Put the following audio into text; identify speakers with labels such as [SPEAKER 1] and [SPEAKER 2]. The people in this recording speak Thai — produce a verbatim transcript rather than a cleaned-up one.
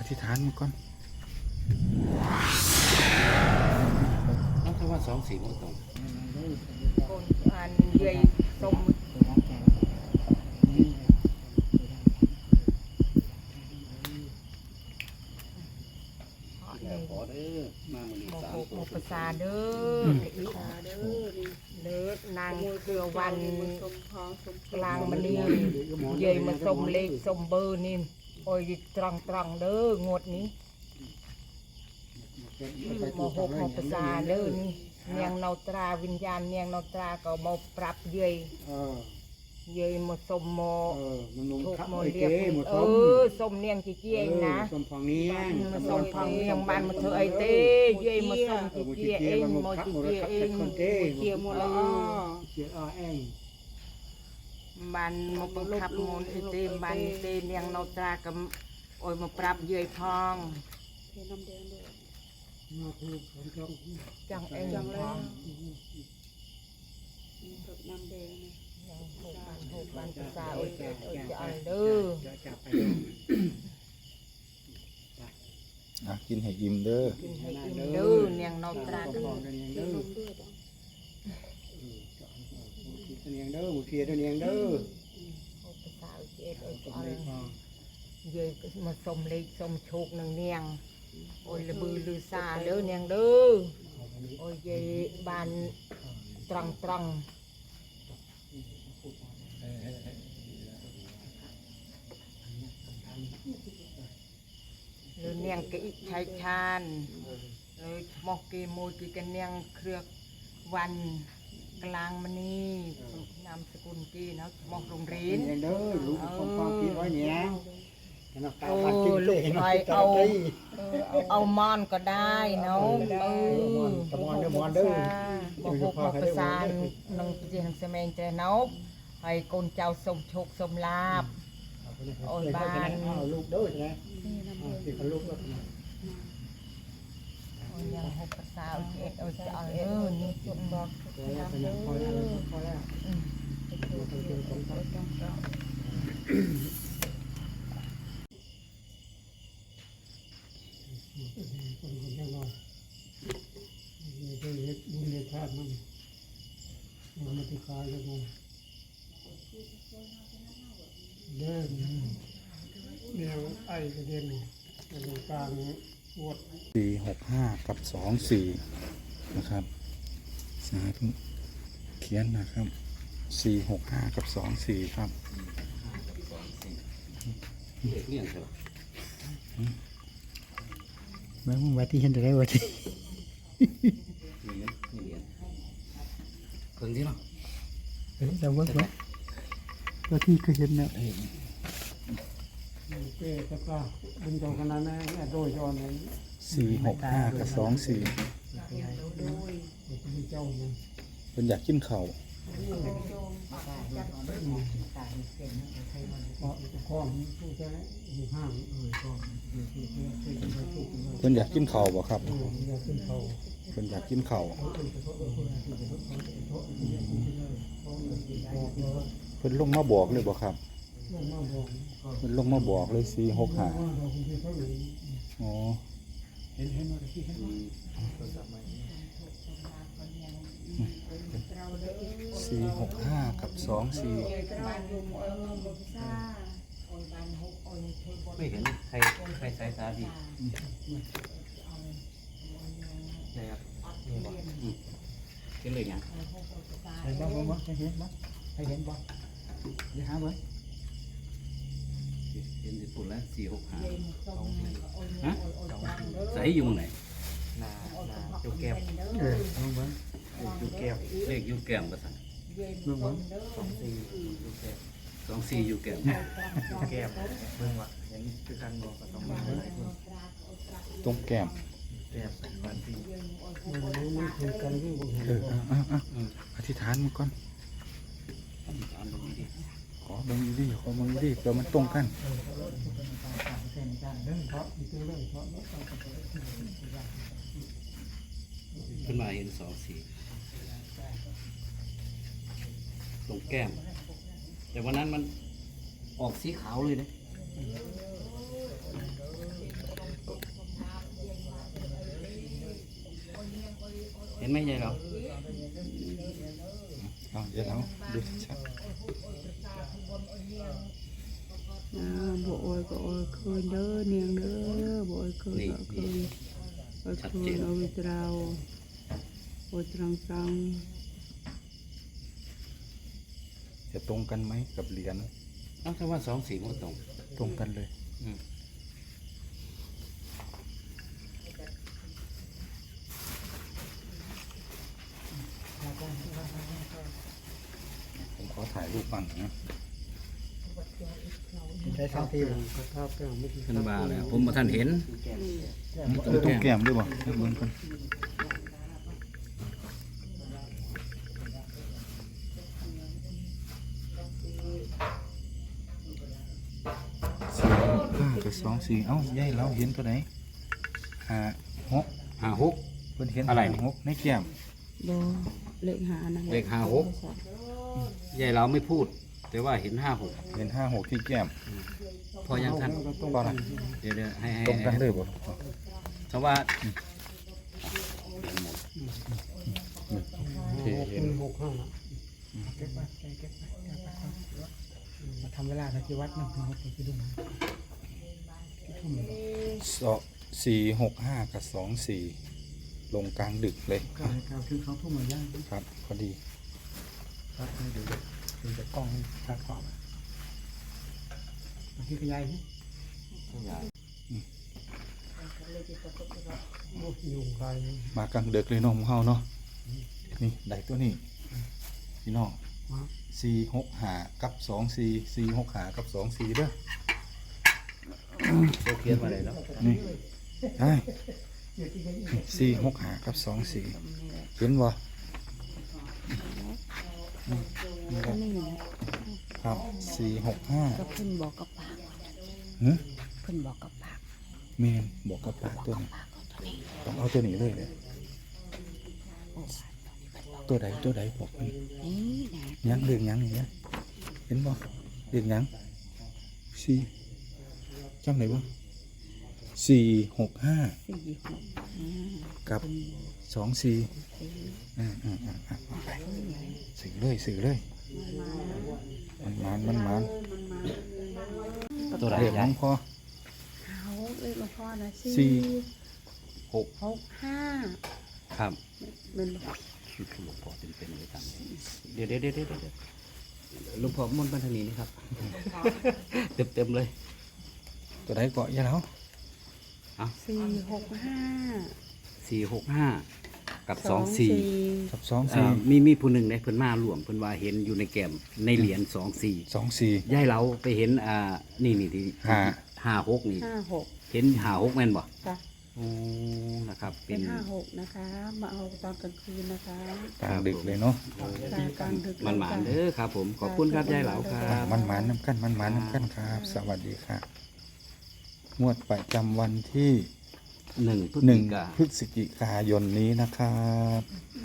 [SPEAKER 1] ธิษฐานมันก่อน
[SPEAKER 2] น้องถ้าว่าสองสี่มันตรง
[SPEAKER 3] คนอันใหญ่สม
[SPEAKER 2] ขอเด้อมามือนี้สามตัว
[SPEAKER 3] ภาษาเด้อเด้อเด้อนางเครือวันกลางมันนี่ใหญ่มาสมเลขสมเบอร์นี่โอ้ยตรังตรังเด้องวดนี้มหกภาษาเด้อนี่เนียงนตราวิญญาณเนียงนตราก็มาปรับเย่ยเย่ยมาสมโมถูกโมเรียกเออสมเนียงจีเจียงนะ
[SPEAKER 2] สมฟองเนียง
[SPEAKER 3] มาสมฟองเนียงบ้านมาเธอไอเต้เย่ยมาสมจีเจียเองมาจีเจียเองเจียมละอ้อ
[SPEAKER 2] เจียอ้อเอง
[SPEAKER 3] บ้านมาบังคับงนไอเต้บ้านเต้เนียงนตรากับโอ้ยมาปรับเย่ยพองจังเองจังเลยน้ำแดงยังหกพันหกพันภาษาโอ้ยโอ้ยจะเอาเด้อ
[SPEAKER 1] อ่ะกินให้อิ่มเด้อ
[SPEAKER 3] กินให้อิ่มเด้อเนียงนตราเด้อ
[SPEAKER 2] เด้อเนียงเด้อหมูเคียเนียงเด้อ
[SPEAKER 3] ภาษาโอ้ยเอ็ดโอ้ยจะเอาเยอะมาสมเลขสมโชคหนึ่งเนียงโอ้ยละบือลือซาเด้อเนียงเด้อโอ้ยเยบานตรังตรังเลยเนียงกิชายชาญเลยมอกกีมวยกีกันเนียงเครือวันกลางมณีนามสกุลกีนะมอกโรงเรียน
[SPEAKER 2] เด้อลูกของฟังกินไว้เนี่ย
[SPEAKER 3] โอ้ลูกไปเอาเอามอนก็ได้เนาะเออบอกพวกภาษาหนึ่งจีนเสมงเจนบให้คนเจ้าสมโชคสมลาบโอ้ยบ้าน
[SPEAKER 2] ลูกด้วยนะที่เขาลูกก็
[SPEAKER 3] ยังหกภาษาเอ็ดเอาจะเอาเออนี่จุดบอกน้ำเด้อ
[SPEAKER 2] คนคนยังรอมีตัวเล็กบุญในชาติมันมันมาติดคายกันมาเดินเลี้ยงไอ้กระเด็นกระดูกกลางปวด
[SPEAKER 1] สี่หกห้ากับสองสี่นะครับสาธุเขียนนะครับสี่หกห้ากับสองสี่ครับ
[SPEAKER 2] เนี่ยครับ
[SPEAKER 1] แม่มึงวัดที่เห็นได้วัดที่
[SPEAKER 2] เพิ่งที่เนาะ
[SPEAKER 1] เฮ้ยแต่ว่าวัดที่เคยเห็นเนี่ย
[SPEAKER 2] เป้ตะกร้าดึงตรงขนาดนั้นโดยย้อนนั้น
[SPEAKER 1] สี่หกห้ากับสองสี่เป็นอยากกินเข่าเพิ่นอยากกินเข่าบ่ครับเพิ่นอยากกินเข่าเพิ่นลงมาบอกเลยบ่ครับเพิ่นลงมาบอกเลยสี่หกห้าอ๋อสี่หกห้ากับสองสี่
[SPEAKER 2] ไม่เห็นใครใครสายตาดีนะครับนี่บอกเห็นเลยยังเห็นบ้างบ้างเห็นบ้างให้เห็นบ้างเดี๋ยวหาไว้เห็นญี่ปุ่นแล้วสี่หกห้าฮะใส่อยู่ไหนนานาจุกแก้วเออมึงบ้างยูแก้วเลขยูแก้วก็สั่งมึงบ้างสองสี่ยูแก้วสองสี่ยูแก้วยูแก้วมึงวะเห็นคือการบอกกับสองบ้าน
[SPEAKER 1] ตรงแก้ม
[SPEAKER 2] แก้วสองบ้านสี่มันคือการที่ผมเห็น
[SPEAKER 1] เอออธิษฐานมันก่อนขอบางดีขอบางดีเดี๋ยวมันตรงกัน
[SPEAKER 2] ขึ้นมาเห็นสองสี่ตรงแก้มแต่วันนั้นมันออกสีขาวเลยนะห็นไหมยายเรา
[SPEAKER 1] เอาเดี๋ยวเราดูชัด
[SPEAKER 4] อ่าบ่โอยก็โอยคืนเด้อเนียงเด้อบ่โอยคืนก็คืนโอยคืนโอยตราวโอยตรังตรัง
[SPEAKER 1] ๆจะตรงกันไหมกับเหรียญ
[SPEAKER 2] เอ้าถ้าว่าสองสี่มันก็ตรง
[SPEAKER 1] ตรงกันเลย
[SPEAKER 2] อืม
[SPEAKER 1] ผมขอถ่ายรูปบ้างนะ
[SPEAKER 5] ได้สองที
[SPEAKER 2] ขึ้นมาแล้วผมมาท่านเห็น
[SPEAKER 1] ตรงตรงแก้มด้วยบ่ให้เบิ่งกันสี่ห้ากับสองสี่เอ้ายายเราเห็นตัวไหนห้าหก
[SPEAKER 2] ห้าหก
[SPEAKER 1] เพิ่นเห็น
[SPEAKER 2] อะไร
[SPEAKER 1] ห้าหกในแก้ม
[SPEAKER 4] บ่เลขหานั่นแหละ
[SPEAKER 2] เลขห้าหก ยายเราไม่พูด แต่ว่าเห็นห้าหก
[SPEAKER 1] เห็นห้าหกที่แก้ม
[SPEAKER 2] พอยังท่าน
[SPEAKER 1] บ่ล่ะ
[SPEAKER 2] เดี๋ยวเดี๋ยวให้ให้
[SPEAKER 1] ตรงกันเลยบ่
[SPEAKER 2] เพราะว่า
[SPEAKER 1] ที่เห็น
[SPEAKER 5] หกห้าเก็บไว้เก็บไว้เก็บไว้มาทำเวลาในที่วัดหนึ่งหกไปดู
[SPEAKER 1] สองสี่หกห้ากับสองสี่ลงกลางดึกเลย
[SPEAKER 5] เก้าเก้าถึงสองทุ่มเหมือนย่าง
[SPEAKER 1] ครับพอดี
[SPEAKER 5] ครับให้ดูดูจากกล้องจากขอบมาที่ขยายนี่โอ้ยุงลาย
[SPEAKER 1] มากลางดึกเลยน้องของเฮาเนาะนี่ได้ตัวนี้พี่น้องสี่หกห้ากับสองสี่สี่หกห้ากับสองสี่เด้อ
[SPEAKER 2] โอเขียนมาเลยแล้ว
[SPEAKER 1] นี่ได้สี่หกห้ากับสองสี่เห็นบ่
[SPEAKER 4] อันนี้นะครับ
[SPEAKER 1] สี่หกห้า
[SPEAKER 4] ก็เพิ่นบอกกับปาก
[SPEAKER 1] หือ
[SPEAKER 4] เพิ่นบอกกับปาก
[SPEAKER 1] เมนบอกกับปากตัวนี้
[SPEAKER 4] ปากของตัวนี้
[SPEAKER 1] ต้องเอาตัวนี้เลยเลย
[SPEAKER 4] โอ้
[SPEAKER 1] ตัวใดตัวใดบอกมัน
[SPEAKER 4] นี่นะ
[SPEAKER 1] ยังเรื่องยังนี่นะเห็นบ่เรื่องยังสี่จำไหนบ่สี่หกห้า
[SPEAKER 4] สี่หกห้า
[SPEAKER 1] กับสองสี่
[SPEAKER 4] สี่
[SPEAKER 1] อ่าอ่าอ่าอ่าเอาไปสื่อเลยสื่อเลยมันมันมันมัน
[SPEAKER 2] ตัวไหน
[SPEAKER 1] เรียกน้
[SPEAKER 2] ยา
[SPEAKER 1] อย งพอ
[SPEAKER 4] เขาเลขหลวงพ่อนะ
[SPEAKER 1] สี่
[SPEAKER 4] สี่
[SPEAKER 2] หก
[SPEAKER 4] หกห้า
[SPEAKER 2] ครับ
[SPEAKER 4] เป็นบ่
[SPEAKER 2] ชุดหลวงพ่อเป็นเป็นเลยทำเลยเดี๋ยวเดี๋ยวเดี๋ยวเดี๋ยวเดี๋ยวหลวงพ่อมนต์บันทนีนี่ครับ เต็มเต็มๆเลย
[SPEAKER 1] ตัวใดเกาะยาแล้ว
[SPEAKER 4] สี่หกห้า
[SPEAKER 2] สี่หกห้ากับสองสี่
[SPEAKER 1] กับสอง
[SPEAKER 2] อ่า
[SPEAKER 1] สี่
[SPEAKER 2] มีมีผู้หนึ่งในเพิ่นมาร่วมเพิ่นว่าเห็นอยู่ในแก้มในเหรียญสองสี่
[SPEAKER 1] สองสี่
[SPEAKER 2] ยายเราไปเห็นอ่านี่นี่ที่
[SPEAKER 1] ห้า
[SPEAKER 2] ห้าหกนี่
[SPEAKER 4] ห้าหก
[SPEAKER 2] เห็นห้าหกแม่นบ่
[SPEAKER 4] จ้ะ
[SPEAKER 2] โอ้นะครับ
[SPEAKER 4] เป็
[SPEAKER 2] เป็น น
[SPEAKER 4] ห้าหกนะคะ มาเอาตอนกลางคืนนะคะ
[SPEAKER 1] กลางดึกเลยเนาะ
[SPEAKER 4] ตากลางดึก
[SPEAKER 2] มันหมานเด้อครับ ผมขอบคุณครับยายเหลาครั
[SPEAKER 1] อ่า
[SPEAKER 2] บ
[SPEAKER 1] มันหมานน้ำกันมันหมานน้ำกันครับ สวัสดีครับงวดประจำวันที่
[SPEAKER 2] หนึ่งพฤศ
[SPEAKER 1] หนึ่ง
[SPEAKER 2] จิกา
[SPEAKER 1] พฤศจิกายนนี้นะครับ